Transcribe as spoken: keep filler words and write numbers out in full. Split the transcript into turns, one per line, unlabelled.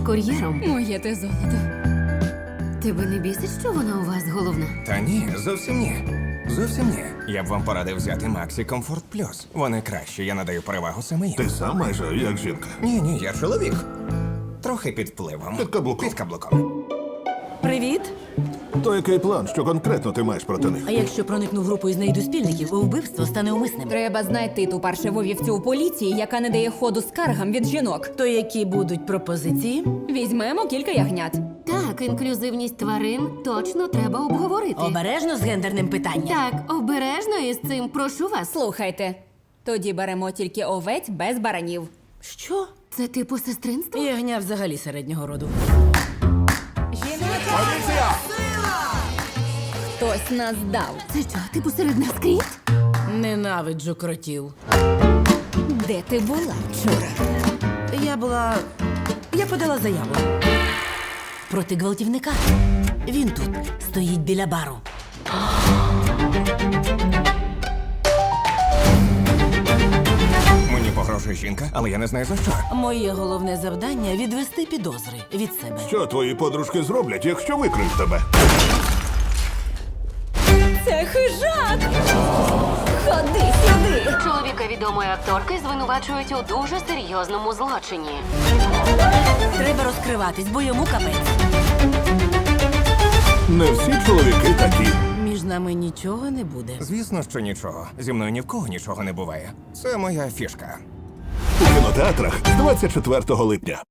кур'єром.
Моє те золото.
Тебе не бісить, що вона у вас головна?
Та ні, зовсім ні. Зовсім ні. Я б вам порадив взяти Maxi Comfort Plus. Вони кращі, я надаю перевагу саме їм.
Ти сам майже як жінка.
Ні, ні, я чоловік. Трохи під впливом.
Під каблуком.
Під каблуком.
Привіт.
То який план, що конкретно ти маєш проти них?
А якщо проникну в групу і знайду спільників, вбивство стане умисним.
Треба знайти ту паршиву вівцю у поліції, яка не дає ходу скаргам від жінок.
То які будуть пропозиції?
Візьмемо кілька ягнят.
Так, інклюзивність тварин точно треба обговорити.
Обережно з гендерним питанням.
Так, обережно із цим, прошу вас.
Слухайте, тоді беремо тільки овець без баранів.
Що?
Це типу сестринство?
Ягня взагалі середнього роду.
Поліція!
Хтось нас дав.
Це що, типу серед нас кріт?
Ненавиджу кротів.
Де ти була вчора?
Я була. Я подала заяву. Проти гвалтівника. Він тут стоїть біля бару.
Мені погрожує жінка, але я не знаю за що.
Моє головне завдання відвести підозри від себе.
Що твої подружки зроблять, якщо викриють тебе?
Це хижак! Ходи сюди!
Чоловіка відомої акторки звинувачують у дуже серйозному злочині.
Треба розкриватись, бо йому капець.
Не всі чоловіки такі.
Між нами нічого не буде.
Звісно, що нічого. Зі мною ні в кого нічого не буває. Це моя фішка.
У кінотеатрах з двадцять четвертого липня.